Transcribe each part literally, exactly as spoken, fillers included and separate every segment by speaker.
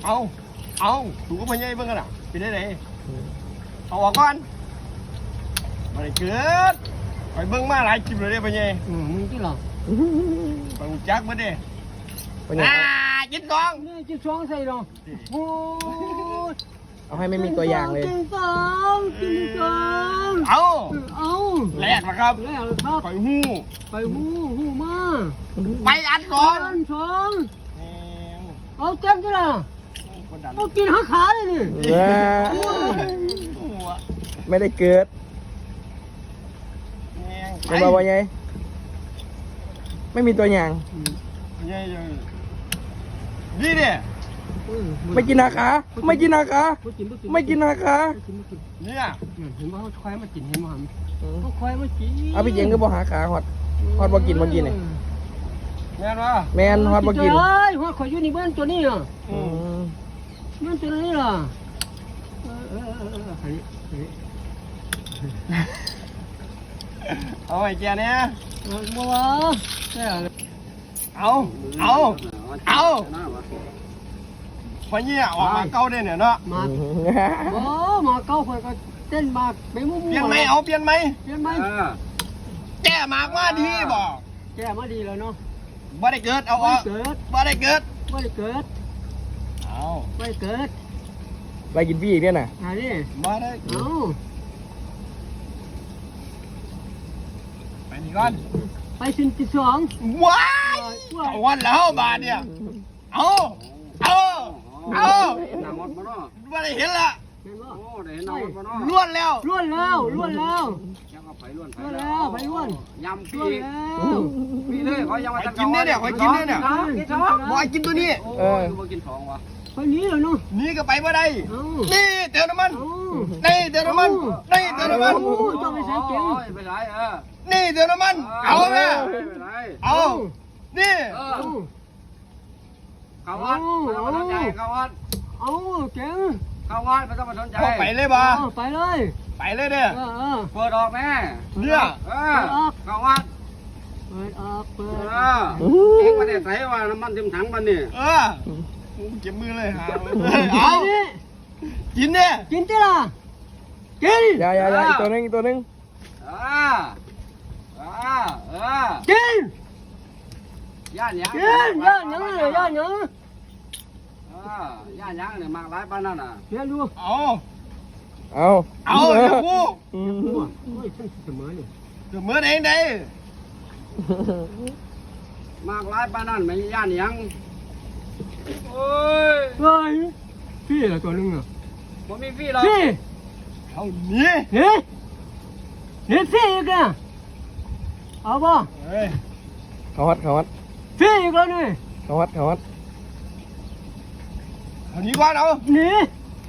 Speaker 1: เอาเอาถูกก็พญายเบิ่งกันอ่ะเป็นได้ไหนเอาออกก่อนมาเลยเกิดไปเบิ่งมาหลายคลิปเลยเด้พญาย
Speaker 2: อืมมึงที่หรอ
Speaker 1: ไปหูจักมาเด้อ่ากินกอง
Speaker 2: นี่จิ้มสองใส่หรอโอ้ย
Speaker 3: เอาให้ไม่มีตัวอย่างเลย
Speaker 2: จิ้มสองจิ้มสอง
Speaker 1: เอา
Speaker 2: เอา
Speaker 1: แรกนะครับ
Speaker 2: แรกเลยครับ
Speaker 1: ไปหู้
Speaker 2: ไปหูหูมา
Speaker 1: ไปอันก่อน
Speaker 2: อันสอง
Speaker 1: แหม
Speaker 2: เอาเต็มที่ละ
Speaker 1: คนดัน
Speaker 2: เอากินหักขาเลยนี่
Speaker 3: เออ
Speaker 1: หัว
Speaker 3: ไม่ได้เกิด
Speaker 1: แหง
Speaker 3: เป็นบ่าวไงไม่มีตัวอย่าง
Speaker 1: พญายยังนี่เนี่ย
Speaker 3: ไม่กินนาขาไม่กินนาขาไม่กินนาขา
Speaker 1: เนี่ย
Speaker 2: เห็นว่าเขาควายมากินเห็นว่าเขาควายมากิน
Speaker 3: เอาพี่เจงก็บ่หาขาฮอดฮอดบ่กินบ่กินนี่
Speaker 1: แม่นวะ
Speaker 3: แมนฮอดบ่กิน
Speaker 2: เฮ้ยหัวข่อยอยู่นี่เบิ้ลตัวนี้อ่ะ
Speaker 3: อืม
Speaker 2: เบิ้ลตัวนี้ล่ะเออเออเออเออเฮ้ยเฮ้ย
Speaker 1: เอาไอ้แกเนี่ย
Speaker 2: เอาบัวแค่อะไร
Speaker 1: เอาเอาเอาพญายออกมาเก้าได้เนี่ยเนาะ
Speaker 2: มาโอ้มาเก้าข่อยก็เต้นมาไปมุ่ง
Speaker 1: เปลี่ยนไหมเอาเปลี่ยนไหม
Speaker 2: เปลี่ยนไหม
Speaker 1: แก้มากว่าดีบอก
Speaker 2: แกมาดีแล้วเนาะ
Speaker 1: บ่ได้เกิดเอาอ
Speaker 2: ไม่
Speaker 1: อก
Speaker 2: เกิด
Speaker 1: บ่ได้เกิด
Speaker 2: ไม่เกิด
Speaker 1: เอา
Speaker 2: ไม่เกิด
Speaker 3: ไปกินพี่อีกเนี่ยน่ะ
Speaker 2: อันนี้
Speaker 1: บ่ได้เกิด
Speaker 2: เอา
Speaker 1: ไปนี่ก่อน
Speaker 2: ไปสินที่สอง
Speaker 1: ว้ายเอาวันแล้วบาทเนี่ยเอาเอาเอา
Speaker 4: หนังหมดมาเนาะ
Speaker 1: บ่ได้เห็นละ
Speaker 2: เห็นบ่
Speaker 4: โอ้ได้เห็นหนังหมดมาเนาะ
Speaker 1: ล้วนแล้ว
Speaker 2: ล้วนแล้วล้วนแล้ว
Speaker 4: ยังเอาไปล้วนไป
Speaker 2: ล้วนแล้วไปล้วน
Speaker 4: ยำ
Speaker 2: ล้
Speaker 4: ปี
Speaker 2: วนแล้ว
Speaker 4: ปีเลยเขายังมา
Speaker 1: ไปกินเนี่ยเนี่ยไปกินเนี่ยเนี่ย
Speaker 4: กินสอง
Speaker 1: บ่ให้กินตัวนี้
Speaker 4: โอ้ยมากินสองวะ
Speaker 2: ไปนี้แล้วเนาะ
Speaker 1: หนี่ก็ไปบ่ได้
Speaker 2: เอา
Speaker 1: นี่เติมน้ำมัน
Speaker 2: เอา
Speaker 1: นี่เติมน้ำมันนี่เติมน้ำมัน
Speaker 2: โอ้ยต้องไปใส่เก่ง
Speaker 4: โอ้ยไปไหนเออ
Speaker 1: นี่เติมน้ำมันเอาแม่
Speaker 4: ไปไหน
Speaker 1: เอานี่
Speaker 4: เออ
Speaker 2: เอา
Speaker 4: เข้าวัดไม่ต้องมาสนใจเข้าวัด
Speaker 2: เอาเก่ง
Speaker 4: เข้าวัดไม่ต้องมาสนใจ
Speaker 1: เอาไปเลยบ่
Speaker 2: เอาไปเลย
Speaker 1: ไปเลยเนี่ย
Speaker 2: เออเออ
Speaker 4: เปิดออกแม่
Speaker 1: เนี่ย
Speaker 4: เออเข้าวัด
Speaker 2: เปิดออกเปิ
Speaker 4: เอ
Speaker 2: ด
Speaker 4: อเองมาได้ใส่ว่าน้ำมันเต็มถังมันนี่
Speaker 1: เออเก็บมือเลยหาเลย
Speaker 2: เอา
Speaker 1: เอา
Speaker 2: ดิ
Speaker 1: กินเนี่ย
Speaker 2: กินติล่ะกิน
Speaker 3: อย่าอย่าอย่าอีกตัวหนึงอีกตัวหนึง
Speaker 4: อ่าอ่าเออ
Speaker 2: กิน
Speaker 4: ย่านยัง
Speaker 2: กินย่านหยังเลยย่านหยัง
Speaker 4: อ่าย่านยังเนี่ยมากหลายปานนั่นน่ะ
Speaker 2: เรียนดู
Speaker 1: เอา
Speaker 3: เอา
Speaker 1: เอาเดี๋ยวกู
Speaker 3: อืม
Speaker 2: โอ้ยฉันเสมอนี่
Speaker 1: เดี๋ยวมือเองได้
Speaker 4: มากหลายปานนั่นไม่ย่านยังโอ้ย
Speaker 2: เฮ้ยพี่ละตัวนึงอ่ะ
Speaker 4: บ่มีฟรีหรอก
Speaker 2: พี่
Speaker 1: เอานี่
Speaker 2: เฮ้ยเฮ้ยพี่อีกอ่ะเอาบ่
Speaker 1: เฮ้ย
Speaker 3: เขาฮัดเขาฮัด
Speaker 2: พี่อีกแล้วนี่
Speaker 3: เขาฮัดเขาฮัด
Speaker 1: เอานี้ก่อนเอา
Speaker 2: หนี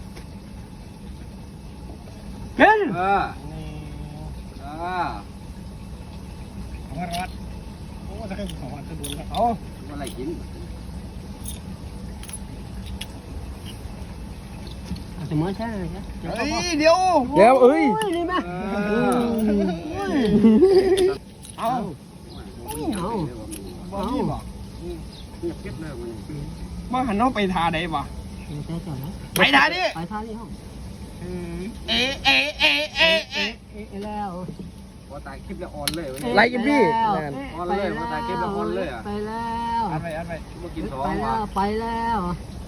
Speaker 2: กิน
Speaker 4: เออเออ
Speaker 1: เอาวัดวัดโอ้จะให้ผมวัดจะโดนแล้วเอา
Speaker 4: บ่ได้กิน
Speaker 2: เสมอใช่ไหมจ๊ะ
Speaker 1: เฮ้ยเดี๋ยว
Speaker 3: เดี๋ยวเอ้ย
Speaker 2: นี่ไหม
Speaker 4: เอ
Speaker 1: เอา
Speaker 4: อ
Speaker 1: บ่มีบ่
Speaker 4: เงียบเก็บเลยมันนี่
Speaker 1: มาหันเอาไปทาได้บ่
Speaker 2: ไปก่อนนะ
Speaker 1: ไปทาดิ
Speaker 2: ไปท่านี่ห้อง
Speaker 1: เอะเอะเอะเอะเอะ
Speaker 2: เอ๊ะแล้ว
Speaker 4: พอตายคลิปแล้วอ่อนเลยวันนี้
Speaker 3: ไล่กินพี่
Speaker 2: ไป
Speaker 3: นั่น
Speaker 2: แล้ว
Speaker 4: อ่อนเลยมาตายเก็บแล้วอ่อนเลยอะ
Speaker 2: ไปแล้ว
Speaker 1: อันไปอันไป
Speaker 4: บ่กินสอง
Speaker 2: ไปแล้
Speaker 4: ว่ะ
Speaker 2: วไปแล้ว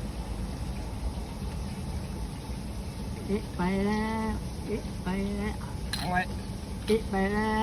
Speaker 2: เอ๊ะไปแล้วเอ๊ะไปแล้ว
Speaker 1: เอาไว้
Speaker 2: เอ๊ะไปแล้ว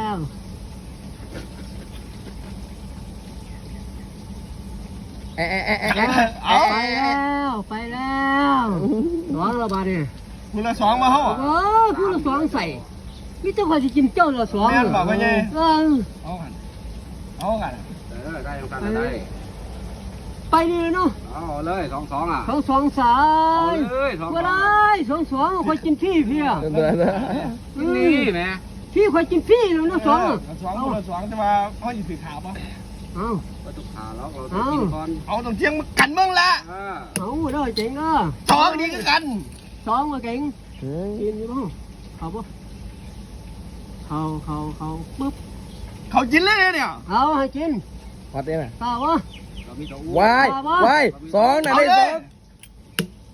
Speaker 3: เอะเอะเอะเอะ
Speaker 1: เอา
Speaker 2: ไปแล้วไปแล้วร้อนระบาดเนี่ย
Speaker 1: คุณละสองมาเฮา
Speaker 2: โอ้ผู้ละสองใส่มิจะคอยสิกินเจ้าละสอง
Speaker 1: แม่นบ่พ่อใหญ่
Speaker 2: เออ
Speaker 1: เอากันเอากัน
Speaker 4: เออได้ยังกันได้
Speaker 2: ไปนี่เลยเนาะ
Speaker 4: เอาเลยสองสองอ่ะ
Speaker 2: สองสองสา
Speaker 4: เอา
Speaker 2: ย
Speaker 4: เลยสอง
Speaker 2: ก็
Speaker 4: สอง
Speaker 2: ได้สองสองคอยกินพี่พี่อ่ะ
Speaker 3: เดี๋ยวเดี๋ยวเดี๋ยว
Speaker 4: กินนี่แม่
Speaker 2: พี่คอยกินพี่แล้วนะสอง
Speaker 1: เอ
Speaker 2: อ่ะ
Speaker 1: อสองคนละสองจะมาเขาอยู่สีขาวปะ
Speaker 2: เอา
Speaker 4: ก็ตุกขาแล้วเราต้องกินก่อน
Speaker 1: เอาตรงเที่ยงมากันเมืองละ
Speaker 4: เออ
Speaker 2: เอาเด้อเจ๋งเด้อ
Speaker 1: สองนี้ก็กัน
Speaker 2: สองมาเก่ง
Speaker 3: เฮ้ย
Speaker 2: กินอยู่บ้างเขาปะเขาเขาเขาปึ๊บ
Speaker 1: เขากินเลยเนี่ย
Speaker 2: เอาให้กิน
Speaker 3: ฮอดเด้น่ะ
Speaker 2: ตาวะ
Speaker 4: เรามีตัวอ้
Speaker 3: วายวายสองน่ะได้สอง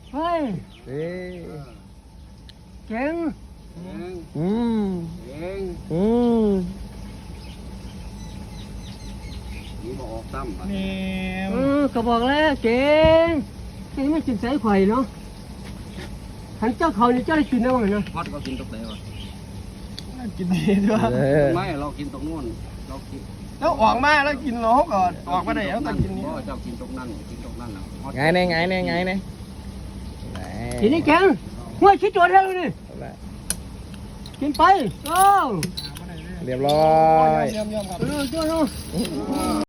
Speaker 3: เอ้ย
Speaker 2: เก่ง
Speaker 4: เอง
Speaker 3: อืม
Speaker 4: เอง
Speaker 3: อืม
Speaker 4: นี่บอกออกซ้ำบัด
Speaker 1: นี่
Speaker 2: เออก็บอกแล้วเก่งเก่งไม่กินใส่ไข่เนาะขันเจ้าเขานี่เจ้าได้กินแล้วไงเนาะ
Speaker 4: ฮอดก็กินตกไหนวะ
Speaker 1: กินดีด้วย
Speaker 3: เออ
Speaker 4: ไม่เรากินตกนู่นเรากิน
Speaker 1: แล้วออกมาแล้วกินเราก็ออกมาได้แล้วต้องกินนี่
Speaker 4: บ่เจ้ากินตกนั่นกินตกนั่นแล้วฮอด
Speaker 3: ไงเนี่ยไงเนี่ยไงเนี่ย
Speaker 2: กินนี่เก่งหัวชิดตัวเท่านี้กินไปโอ้
Speaker 3: เรียบร้อย
Speaker 1: เยี่ยมๆครับ
Speaker 2: เออเจ้าเนาะ